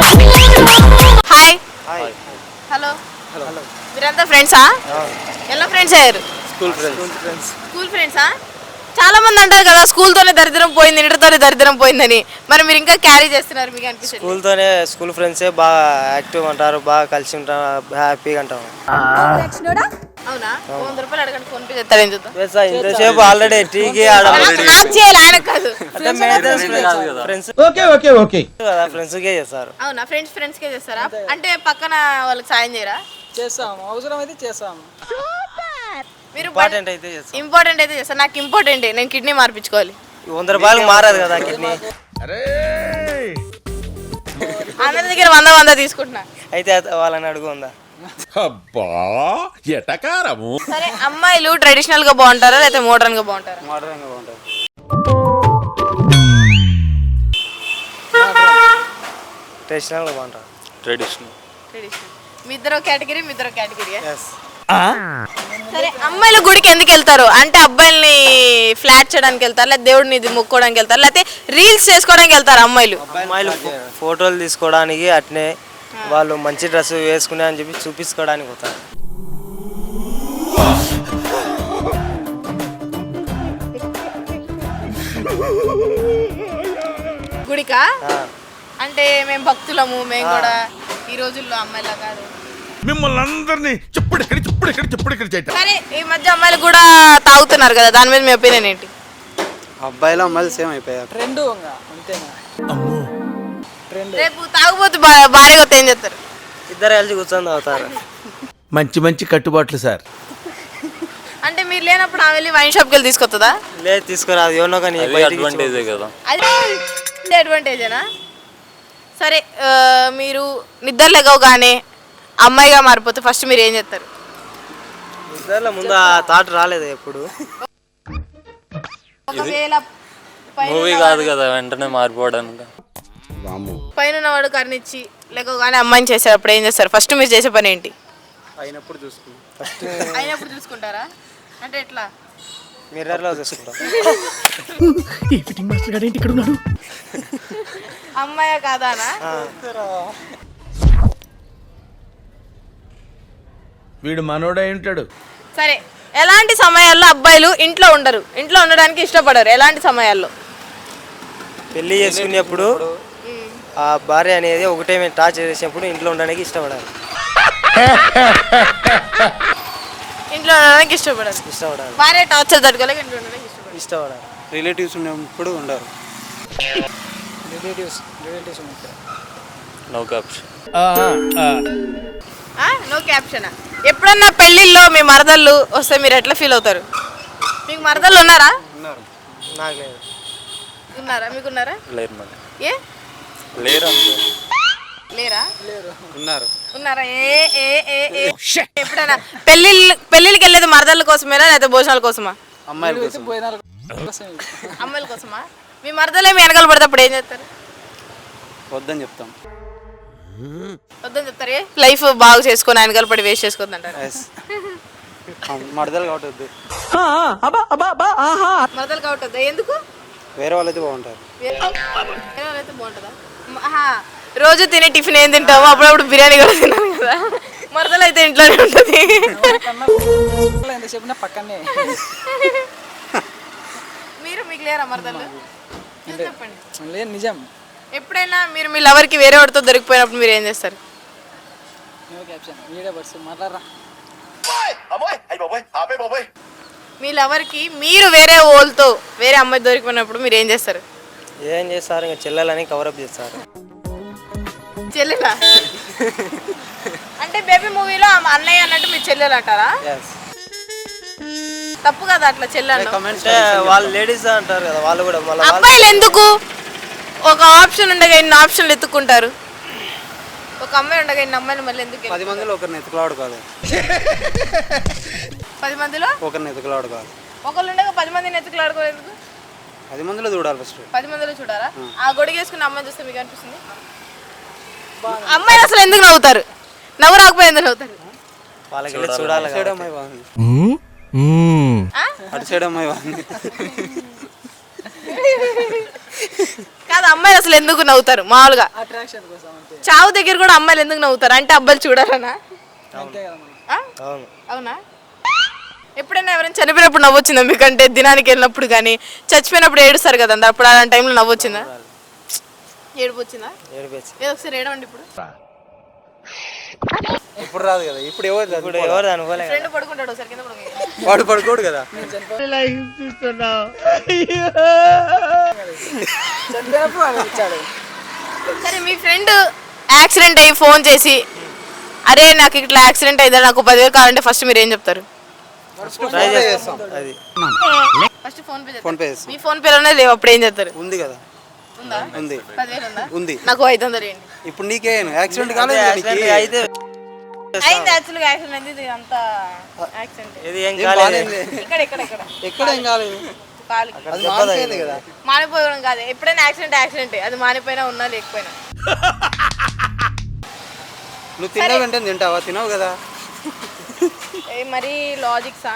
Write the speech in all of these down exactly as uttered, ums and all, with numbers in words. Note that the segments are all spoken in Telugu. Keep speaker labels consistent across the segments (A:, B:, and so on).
A: హాయ్ హలో హలో మీరంతా ఫ్రెండ్సా? ఎలా ఫ్రెండ్స్ అయ్యారు?
B: School friends.
A: స్కూల్ ఫ్రెండ్సా? చాలా మంది అంటారు కదా స్కూల్తోనే దరిద్రం పోయింది, ఇంటర్తోనే దరిద్రం పోయిందని. మరి మీరు ఇంకా క్యారీ చేస్తున్నారు, మీకు అనిపిస్తుంది?
B: స్కూల్తోనే స్కూల్ ఫ్రెండ్సే బాగా యాక్టివ్ ఉంటారు, బాగా కలిసి ఉంటారు, హ్యాపీగా ఉంటాం.
A: అవునా? వంద రూపాయలు అడగండి, ఫోన్ పే చేస్తాడు. ఏం చూద్దాం.
B: ఇంతసేపు ఆల్రెడీ టీకి
A: నాకు చేయాలి, ఆయనకు కాదు.
B: ఫ్రెండ్స్
C: ఓకే ఓకే ఓకే
B: కదా, ఫ్రెండ్స్కే చేస్తారు.
A: అవునా? ఫ్రెండ్స్ ఫ్రెండ్స్ కే చేస్తారా? అంటే పక్కన వాళ్ళకి సాయం చేయరా?
D: చేస్తాము, అవసరం అయితే చేస్తాము.
A: మీరు
B: ఇంపార్టెంట్ అయితే చేస్తాం.
A: ఇంపార్టెంట్ అయితే చేస్తారు. నాకు ఇంపార్టెంట్, నేను కిడ్నీ మార్పించుకోవాలి.
B: వంద రూపాయలు మారదు కదా కిడ్నీ.
A: అందరి దగ్గర వంద వంద తీసుకుంటున్నా.
B: అయితే వాళ్ళని అడుగు ఉందా?
C: అబ్బా ఎటకారము.
A: సరే, అమ్మాయిలు ట్రెడిషనల్ గా బాగుంటారా లేకపోతే మోడర్న్ గా బాగుంటారా?
B: మోడర్న్ గా బాగుంటుంది. ట్రెడిషనల్ గా బాగుంటుంది.
E: Traditional
A: traditional. మీ ఇద్దరు కేటగిరీ, మీ ఇద్దరు కేటగిరీ.
B: ఎస్.
A: సరే, అమ్మాయిలు గుడికి ఎందుకు వెళ్తారు? అంటే అబ్బాయిల్ని ఫ్లాట్ చేయడానికి వెళ్తారు, లేదా దేవుడిని ఇది మొక్కోవడానికి వెళ్తారు, లేకపోతే రీల్స్ చేసుకోవడానికి వెళ్తారు అమ్మాయిలు?
B: అమ్మాయిలు ఫోటోలు తీసుకోవడానికి, అట్నే వాళ్ళు మంచి డ్రెస్ వేసుకునే అని చెప్పి చూపించుకోవడానికి పోతారు.
A: గుడికా? అంటే మేము భక్తులము, మేము కూడా ఈ రోజుల్లో అమ్మాయిలా కాదు.
C: మిమ్మల్ని అందరినీ చెప్పుడెక్కడి చెప్పుడెక్కడి చెప్పుడెక్కడి చేయటం.
A: సరే, ఈ మధ్య అమ్మాయిలు కూడా తాగుతున్నారు కదా, దాని మీద మీ ఒపీనియన్ ఏంటి?
F: అబ్బాయిలు అమ్మాయిలు సేమ్ అయిపోయారు.
D: రెండు అంతేనా?
A: రేపు తాగుబోతు భార్య కొత్త ఏం చేస్తారు?
B: ఇద్దరు కలిసి కూర్చొని తాగుతారు.
C: మంచి మంచి కట్టుబాట్లు సార్.
A: అంటే మీరు లేనప్పుడు ఆమె వెళ్ళి వైన్ షాప్కి వెళ్ళి తీసుకొస్తుందా?
B: లేదు, తీసుకురాదు. ఎవరినో కానీ
E: అడ్వాంటేజే కదా.
A: అది అడ్వాంటేజేనా? సరే, మీరు నిద్ర లేవగానే అమ్మాయిగా మారిపోతే ఫస్ట్ మీరు ఏం చేస్తారు?
B: నిద్రలో ముందు ఆ థాట్ రాలేదు ఎప్పుడు.
A: ఒకవేళ
E: మూవీ కాదు కదా వెంటనే మారిపోవడానికి.
A: పైన వాడు కర్నిచ్చి లేకగానే అమ్మాయిని చేసేటప్పుడు ఏం చేస్తారు? ఫస్ట్ మీరు చేసే పని ఏంటి?
F: అయినప్పుడు చూసుకుంటాం.
A: అయినప్పుడు చూసుకుంటారా? అంటే ఎట్లా?
B: మిర్రర్లో చూసుకుంటాం.
A: అమ్మాయా కాదానా?
C: వీడు మనోడై ఉంటాడు.
A: సరే, ఎలాంటి సమయాల్లో అబ్బాయిలు ఇంట్లో ఉండరు, ఇంట్లో ఉండడానికి ఇష్టపడరు? ఎలాంటి సమయాల్లో?
B: పెళ్లి చేసుకునేప్పుడు ఆ భార్య అనేది ఒకటే టార్చ్ చేసినప్పుడు ఇంట్లో ఉండడానికి ఇష్టపడాలి.
A: ఇంట్లో ఉండడానికి ఇష్టపడరు.
B: ఇష్టపడాలి.
A: భార్య టార్చర్ తట్టుకోలేక ఇంట్లో ఉండడానికి ఇష్టపడరు.
B: ఇష్టపడాలి.
F: రిలేటివ్స్ ఉన్నప్పుడు ఉండరు.
D: రిలేటివ్స్ రిలేటివ్స్ ఉంటారు.
E: No caption.
A: No caption. ఎప్పుడన్నా పెళ్ళిళ్ళలో మీ మరదళ్ళు వస్తే మీరు ఎట్లా ఫీల్ అవుతారు? మీకు మరదళ్ళు ఉన్నారా?
B: ఉన్నారు. నాకు లేదు.
A: ఉన్నారా? మీకు ఉన్నారా?
E: లేరు మరి.
A: ఏ
E: లేరు
A: లేరా?
F: ఉన్నారు.
A: ఉన్నారా? ఏ ఏ ఏ ఏ ఎప్పుడైనా పెళ్ళిళ్ళు పెళ్ళిళ్ళకి వెళ్ళేది మరదళ్ళ కోసమేనా లేకపోతే భోజనాల కోసమా?
F: అమ్మాయిల కోసం.
A: అమ్మాయిల కోసమా? మీ మరదలే మీ వెనకాల పడితే అప్పుడు ఏం చేస్తారు?
F: వద్దని చెప్తాం.
A: వద్దని చెప్తారు. లైఫ్ బాగు చేసుకొని వెనకాల పడి వేస్ట్ చేసుకోవద్దు అంటారు.
F: మడదలు కాబట్టి వద్దు.
A: మరదలు కావట్దా? ఎందుకు?
F: వేరే వాళ్ళైతే బాగుంటారు.
A: వేరే వాళ్ళైతే బాగుంటుందా? ఆహా, రోజు తినే టిఫిన్ ఏం తింటాము, అప్పుడప్పుడు బిర్యానీ కూడా తిన్నాను కదా. మరదలు అయితే ఇంట్లోనే ఉంటుంది.
D: ఎంత చెప్పినా పక్కనే.
A: మీరు మీకు లేరా మరదలు? చెప్పండి.
D: లేదు, నిజం.
A: ఎప్పుడైనా మీరు మీ లవర్కి వేరే వాడితో దొరికిపోయినప్పుడు మీరు ఏం చేస్తారు?
D: No caption. వీడియో బర్స్ మాట్లాడరా.
A: మీ లవర్కి మీరు వేరే ఓల్తో వేరే అమ్మాయి దొరికిపోయినప్పుడు మీరు ఏం చేస్తారు?
B: ఏం చేస్తారు? ఇంకా చెల్లెలని కవరప్ చేస్తారు.
A: చెల్లెలా? అంటే బేబీ మూవీలో అన్నయ్య అన్నట్టు మీరు చెల్లెలు అంటారా? తప్పు కదా అట్లా చెల్లెలు.
B: అంటే వాళ్ళు లేడీస్ అంటారు కదా, వాళ్ళు కూడా మళ్ళీ
A: అబ్బాయిలు ఎందుకు ఒక ఆప్షన్ ఉండగా ఇన్ని ఆప్షన్లు ఎత్తుకుంటారు? ఒక అమ్మాయి ఉండగా ఇన్ని అమ్మాయిలు మళ్ళీ ఎందుకు?
F: పది మందిలో ఒకరిని ఎత్తుకులాడుకోవాలి.
A: పది మందిలో
F: ఒకరిని ఎత్తుకులాడుకోవాలి.
A: ఒకళ్ళు ఉండగా పది మందిని ఎత్తుకులాడుకోలేదు.
F: పది మందిలో చూడాలి ఫస్ట్.
A: పది మందిలో చూడాలా? ఆ గొడిగేసుకున్న అమ్మాయి చూస్తే మీకు అనిపిస్తుంది? అమ్మాయిలు అసలు ఎందుకు నవ్వుతారు? నవ్వు రాకపోయి ఎందుకు నవ్వుతారు?
B: వాళ్ళకి చూడాలి.
F: సైడ్ అమ్మాయి బాగుంది. అటు సైడ్ అమ్మాయి బాగుంది.
A: కాదు అమ్మాయిలు అసలు ఎందుకు నవ్వుతారు మామూలుగా?
D: అట్రాక్షన్ కోసం అంతే.
A: చావు దగ్గర కూడా అమ్మాయిలు ఎందుకు నవ్వుతారు అంటే అబ్బాయిలు చూడాలనా?
D: అంతే కదా మనం.
A: ఆ?
B: అవును.
A: అవునా? ఎప్పుడైనా ఎవరైనా చనిపోయినప్పుడు నవ్వొచ్చిందా మీకంటే దినానికి వెళ్ళినప్పుడు కానీ చచ్చిపోయినప్పుడు ఏడుస్తారు కదా అందరు, అప్పుడు అలాంటి టైంలో నవ్వొచ్చిందా? ఏడుపు వచ్చిందా?
B: ఏడిపించి
A: ఏదో ఒకసారి ఏడవండి ఇప్పుడు.
F: ఇప్పుడు రాదు కదా, ఇప్పుడు ఎవరు
B: ఇప్పుడు ఎవరు అనుకోలే
A: ఫ్రెండ్ పడుకుంటాడు ఒకసారి కింద పడుకో.
F: వాడు పడుకోడు కదా.
D: చనిపోయినప్పుడు వాడు ఇచ్చాడు.
A: సరే మీ ఫ్రెండ్ యాక్సిడెంట్ అయ్యి ఫోన్ చేసి అరే నాకు ఇట్లా యాక్సిడెంట్ అయిందా నాకు పదివేలు కావాలంటే ఫస్ట్ మీరు ఏం చెప్తారు?
B: ట్రై చేస్తాం. అది
A: first PhonePe
F: PhonePe
A: మీ ఫోన్ పేలోనే లేవు, అప్పుడు ఏం చేస్తారు?
F: ఉంది కదా,
A: ఉందా?
F: ఉంది
A: పదివేలు ఉందా?
F: ఉంది.
A: నాకు ఐదు వందలు ఇవ్వండి.
F: ఇప్పుడు నీకే యాక్సిడెంట్ కాలేదు కదా నీకు?
B: యాక్సిడెంట్ అయితే
A: అయింది యాక్చువల్గా యాక్సిడెంట్ అయింది, ఇది అంతా యాక్సిడెంట్.
B: ఇది ఏం
F: ఏం
B: కాలేదు.
F: బాగాలేదు.
A: ఇక్కడ ఇక్కడ ఇక్కడ
F: ఎక్కడ ఏం కాలేదు,
A: కాలికి
F: అది మారిపోయింది కదా.
A: మానిపోవడం కాదు, ఎప్పుడైనా యాక్సిడెంట్ యాక్సిడెంట్ అది మానిపోయినా ఉన్నా లేకపోయినా.
F: నువ్వు తిన్నావు అంటే తింటావా? తినవు కదా.
A: ఏ మరి లాజిక్సా?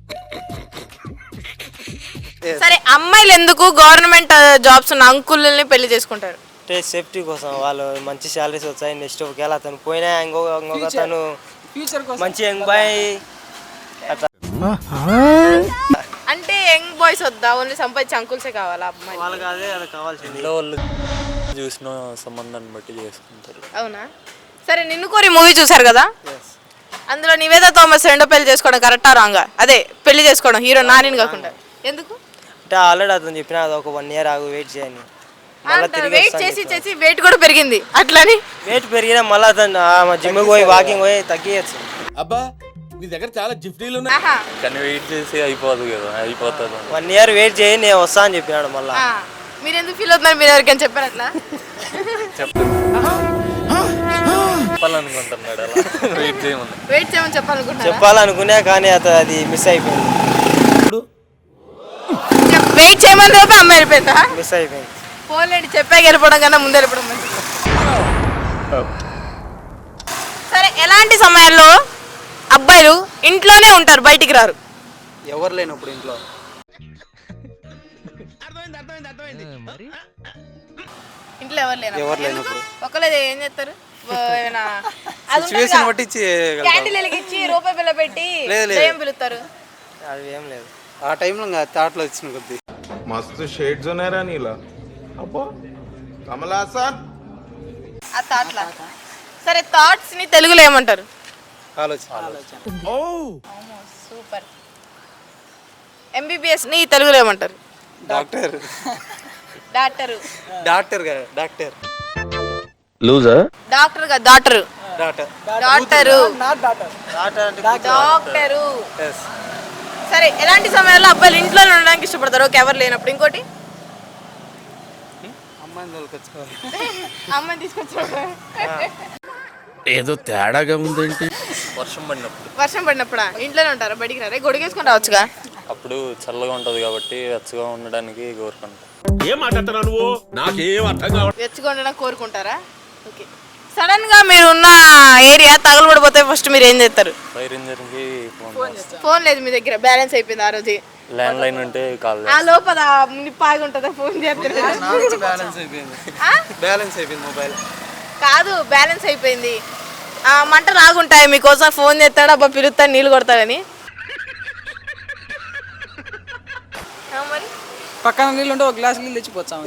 A: సరే అమ్మాయిలు ఎందుకు గవర్నమెంట్ జాబ్స్ ఉన్న అంకుల్ని పెళ్లి చేసుకుంటారు?
B: అంటే సేఫ్టీ కోసం, వాళ్ళు మంచి శాలరీస్ వచ్చాయి. నెక్స్ట్ ఒకవేళ అతను పోయినా ఇంకొక ఇంకొక తను
D: ఫ్యూచర్ కోసం.
B: మంచి యంగ్ బాయ్ అట్లా
A: అంటే యంగ్ బాయ్స్ వద్దా, ఓన్లీ సంపాదించి అంకుల్సే కావాలా అమ్మాయి?
B: వాళ్ళకి అదే అది కావాల్సింది.
E: ఇంట్లో వాళ్ళు చూసిన సంబంధాన్ని బట్టి చేసుకుంటారు.
A: అవునా? సరే నిన్ను కోరి మూవీ చూసారు కదా, అందులో నివేదా థామస్ రెండో పెళ్లి చేసుకోవడం కరెక్టా రాంగా? అదే పెళ్లి చేసుకోవడం హీరో నానిని కాకుండా ఎందుకు
B: అంటే ఆల్రెడీ అతను చెప్పిన అది ఒక వన్ ఇయర్ ఆగు వెయిట్ చేయని, మళ్ళీ తిరిగి
A: వెయిట్ చేసి చేసి వెయిట్ కూడా పెరిగింది అట్లని?
B: వెయిట్ పెరిగినా మళ్ళీ అతను జిమ్కి పోయి వాకింగ్ పోయి తగ్గియచ్చు.
C: అబ్బా నీ దగ్గర చాలా జిఫ్టీలు ఉన్నాయి.
A: ఆహా.
E: కానీ వెయిట్ చేసి అయిపోదు కదా, అయిపోతుంది.
B: వన్ ఇయర్ వెయిట్ చేయి నేను వస్తా అని చెప్పినాడు మళ్ళీ.
A: ఆ, మీరు ఎందుకు ఫీల్ అవుతున్నారు? మీరు ఎవరికైనా చెప్పారు అట్లా?
E: చెప్పాలనుకుంటున్నాడు అలా వెయిట్ చేయమని.
A: వెయిట్ చేయమని చెప్పాలనుకుంటున్నారా?
B: చెప్పాలనుకున్నా కానీ అతను అది మిస్ అయిపోయింది.
A: వెయిట్ చేయమని రేపు అమ్మాయి వెళ్ళిపోయిందా?
B: మిస్ అయిపోయింది.
A: ఫోన్లేండి చెప్పాక వెళ్ళిపోవడం కన్నా ముందు వెళ్ళిపోవడం మంచిది. సరే ఎలాంటి సమయాల్లో అబ్బాయిలు ఇంట్లోనే ఉంటారు బయటికి రారు?
F: ఎవరు లేనప్పుడు ఇంట్లో.
A: ఇంట్లో ఎవరు లేరు.
F: ఎవరు లేనప్పుడు
A: ఒకళ్ళే ఏం చేస్తారు? ఓ, ఏమైనా అది
F: సిచ్యువేషన్ బట్టి ఇచ్చి
A: క్యాండిల్ వెలిగించి రూపాయి బిల్ల పెట్టి
F: లేదు, లేదు.
A: దయ్యం పిలుస్తారు.
B: అది ఏం లేదు.
F: ఆ టైంలో ఇంకా థాట్లో వచ్చిన కొద్ది.
C: మస్తు షేడ్స్ ఉన్నాయరా నీలా. అబ్బా కమలాసన్.
A: ఆ థాట్లా. సరే థాట్స్ ని తెలుగులో ఏమంటారు?
F: ఆలోచన.
C: ఓ
A: సూపర్. ఎంబీబీఎస్ ని తెలుగులో ఏమంటారు?
F: డాక్టర్.
A: డాక్టరు.
F: డాక్టర్ కదా, డాక్టర్.
A: డాక్టర్ గా doctor.
F: Doctor.
A: Doctor.
D: Not daughter.
A: Doctor.
F: Yes.
A: సరే ఎలాంటి సమయాల్లో అబ్బాయిలు ఇంట్లో ఉండడానికి ఇష్టపడతారు? ఓకే ఎవరు లేనప్పుడు. ఇంకోటి
F: అమ్మాయిని తోలుకొచ్చుకోవాలి.
A: అమ్మాయిని తీసుకొచ్చారు.
C: ఏదో తేడాగా ఉందేంటి?
E: వర్షం పడినప్పుడు.
A: వర్షం పడినప్పుడా? ఇంట్లోనే ఉంటారా? బయటికి రారే? గొడుగేసుకొని రావచ్చుగా.
E: అప్పుడు చల్లగా ఉంటుంది కాబట్టి వెచ్చగా ఉండడానికి కోరుకుంటాం.
C: ఏం మాట్లాడుతున్నావు నువ్వు? నాకేం అర్థం కావట్లేదు.
A: వెచ్చగా ఉండడానికి కోరుకుంటారా? ఓకే. సడన్ గా మీరు ఉన్న ఏరియా తగలబడిపోతే ఫస్ట్ మీరు ఏం చేస్తారు?
E: ఫైర్ ఇంజన్కి ఫోన్ చేస్తాం.
A: ఫోన్ లేదు మీ దగ్గర, బ్యాలెన్స్ అయిపోయింది ఆ రోజు.
E: ల్యాండ్ లైన్ ఉంటే కాల్
A: ఆ లోపల నిప్పాగి ఉంటుందా ఫోన్ చేస్తారు?
F: బ్యాలెన్స్ అయిపోయింది.
A: ఆ?
F: బ్యాలెన్స్ అయిపోయింది మొబైల్.
A: కాదు బ్యాలెన్స్ అయిపోయింది. ఆ మంట రాగుంటాయి మీకోసం ఫోన్ చేస్తాడు, అబ్బా పిలుస్తాడు నీళ్ళు కొడతాడని. ఆ మరి
D: పక్కన నీళ్ళు ఉంటే ఒక గ్లాస్ నీళ్ళు తెచ్చిపోతాం.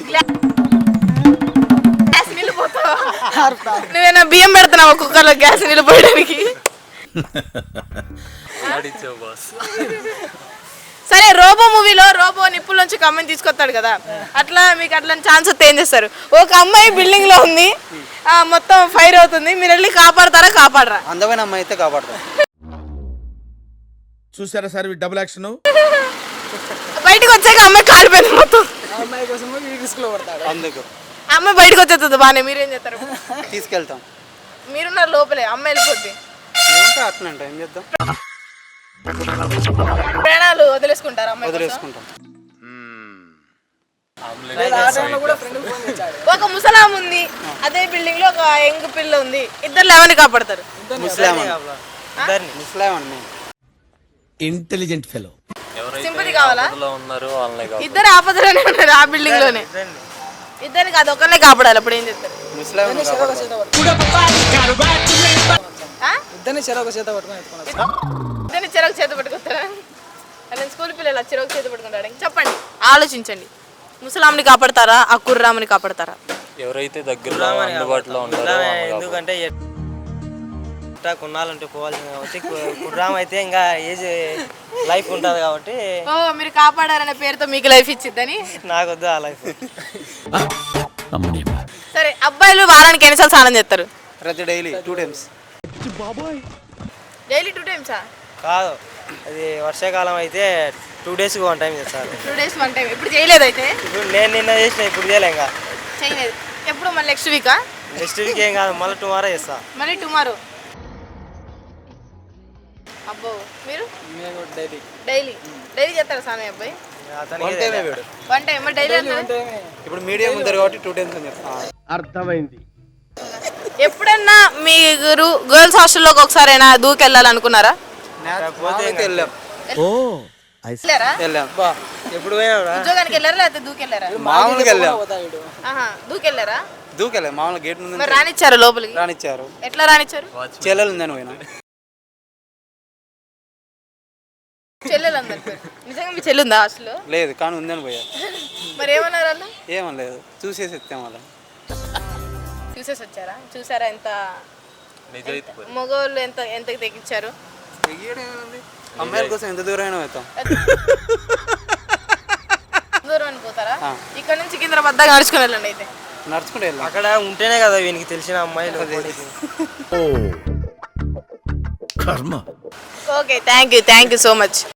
A: గ్యాస్ నీళ్ళు పోతావా? నువ్వేనా బియ్యం పెడుతున్నావు కుక్కర్లో గ్యాస్ నీళ్ళు పోయడానికి?
E: ఆడిచ్చావు బాస్.
A: సరే రోబో మూవీలో రోబో నిప్పుల నుంచి ఒక అమ్మాయిని తీసుకొస్తాడు కదా, అట్లా మీకు అట్లా ఛాన్స్ వస్తే ఏం చేస్తారు? ఒక అమ్మాయి బిల్డింగ్ లో ఉంది, ఆ మొత్తం ఫైర్ అవుతుంది, మీరు వెళ్ళి కాపాడతారా కాపాడరా?
F: అందమైన అమ్మాయి అయితే కాపాడతాం.
C: చూసారా సార్ డబుల్ యాక్షన్.
A: బయటకు వచ్చాక అమ్మాయి కాలిపోయింది మొత్తం.
D: ఆ అమ్మాయి కోసం రిస్క్ లో పడతాడు.
F: అందుకు
A: ఆ అమ్మాయి బయటకు వచ్చేస్తుంది బాగానే, మీరేం చేస్తారు?
F: తీసుకెళ్తాం.
A: మీరున్నారు లోపలే, అమ్మాయి వెళ్ళిపోద్ది.
F: ఏమంటే అట్లా అంట, ఏం చేద్దాం?
A: ప్రాణాలు వదిలేసుకుంటారు అమ్మాయి కోసం?
F: వదిలేసుకుంటాం.
D: లేదా ఆ టైంలో కూడా ఫ్రెండ్ ఫోన్ చేశాడు.
A: ఒక ముసలాం ఉంది, అదే బిల్డింగ్ లో ఒక యంగ్ పిల్ల ఉంది, ఇద్దరు ఎవరిని కాపాడతారు?
F: ముస్లాం
B: ఇద్దరిని.
F: ముస్లాం అండి.
C: Intelligent fellow.
A: సింపతి కావాలా?
E: ఎవరైతే ఉన్నారో వాళ్ళనే కావాలి.
A: ఇద్దరు ఆపదలోనే ఉన్నారు ఆ బిల్డింగ్ లోనే.
B: ఇద్దరిని.
A: ఇద్దరిని కాదు ఒకళ్ళే కాపాడాలి అప్పుడు ఏం చెప్తారు
F: ముస్లిం
D: ఇద్దరిని చెరొక చేత పట్టుకొని
A: ఆ?
D: ఇద్దరిని చెరొక చేత పట్టుకొని ఎత్తుకొని వస్తాం.
A: ఇద్దరిని చెరకు చేత పట్టుకుంటారా నేను స్కూల్ పిల్లలు చెరకు చేత పట్టుకుంటాడు చెప్పండి ఆలోచించండి ముసలాంని కాపాడతారా ఆ కుర్రామని కాపాడతారా
E: ఎవరైతే దగ్గరలో అందుబాటులో ఉంటారో
B: కుర్రామ
E: వాళ్ళని
B: ఎందుకంటే ఎట్టా కొన్నాళ్ళంటే పోవాల్సింది కాబట్టి కు- కుర్రామ అయితే ఇంకా ఏజ్ లైఫ్ ఉంటుంది కాబట్టి
A: ఓ మీరు కాపాడారనే పేరుతో మీకు లైఫ్ ఇచ్చిద్దని
B: నాకు వద్దు ఆ లైఫ్.
A: సరే అబ్బాయిలు వారానికి ఎన్నిసార్లు స్నానం చేస్తారు
F: ప్రతి daily two times
A: daily two టైమ్సా
B: కాదు అది వర్షాకాలం అయితే టూ డేస్కి వన్ టైం చేస్తారు.
A: టూ డేస్ వన్ టైం ఇప్పుడు చేయలేదు అయితే
B: ఇప్పుడు నేను నిన్న చేసిన ఇప్పుడు చేయలే ఇంకా
A: చేయలేదు ఎప్పుడు మళ్ళీ నెక్స్ట్ వీకా
B: నెక్స్ట్ వీక్ ఏం కాదు మళ్ళీ టుమారో చేస్తా.
A: మళ్ళీ టుమారో అబ్బో మీరు
D: మేము డైలీ
A: డైలీ డైలీ చేస్తారా స్నానం అబ్బాయి
B: అతనికి
F: వన్ టైమే వీడు
A: వన్ టైం మరి డైలీ అంటే
F: ఇప్పుడు మీడియం ఉంటారు కాబట్టి టూ టైమ్స్ అని చెప్తాను.
A: ఎప్పుడన్నా మీరు గర్ల్స్ హాస్టల్లోకి ఒకసారైనా దూకెళ్ళాలనుకున్నారా
F: పోతే వెళ్ళాం
A: వెళ్ళారా
F: వెళ్ళాం
D: బా
B: ఎప్పుడు పోయినా
A: ఉద్యోగానికి వెళ్ళారా లేకపోతే దూకెళ్ళారా
F: మామూలుగా వెళ్ళాం
D: పోతా వీడు
A: ఆహా దూకెళ్ళారా
F: దూకెళ్ళాం మామూలుగా గేట్ ముందు
A: మరి రానిచ్చారు లోపలికి
F: రానిచ్చారు.
A: ఎట్లా రానిచ్చారు
F: చెల్లెలు ఉందని పోయినా
A: చెల్లెలు అందరు నిజంగా మీ చెల్లి ఉందా హాస్టల్లో
F: లేదు కానీ ఉందని పోయా.
A: మరి ఏమన్నారు వాళ్ళు
F: ఏమనలేదు చూసేసి ఎత్తాం వాళ్ళ
A: చూసేసి వచ్చారా చూసారా ఎంత
E: నిజాయితీ
A: మగవాళ్ళు ఎంత ఎంత తెగించారు
F: అమ్మాయిల కోసం ఎంత దూరమైనా వెళ్తాం.
A: దూరం అని పోతారా
F: ఆ.
A: ఇక్కడ నుంచి సికింద్రాబాద్ దాకా నడుచుకుని వెళ్ళండి అయితే
F: నడుచుకుంటూ వెళ్ళాం.
B: అక్కడ ఉంటేనే కదా వీనికి తెలిసిన అమ్మాయిలు.
C: కర్మ
A: okay thank you thank you so much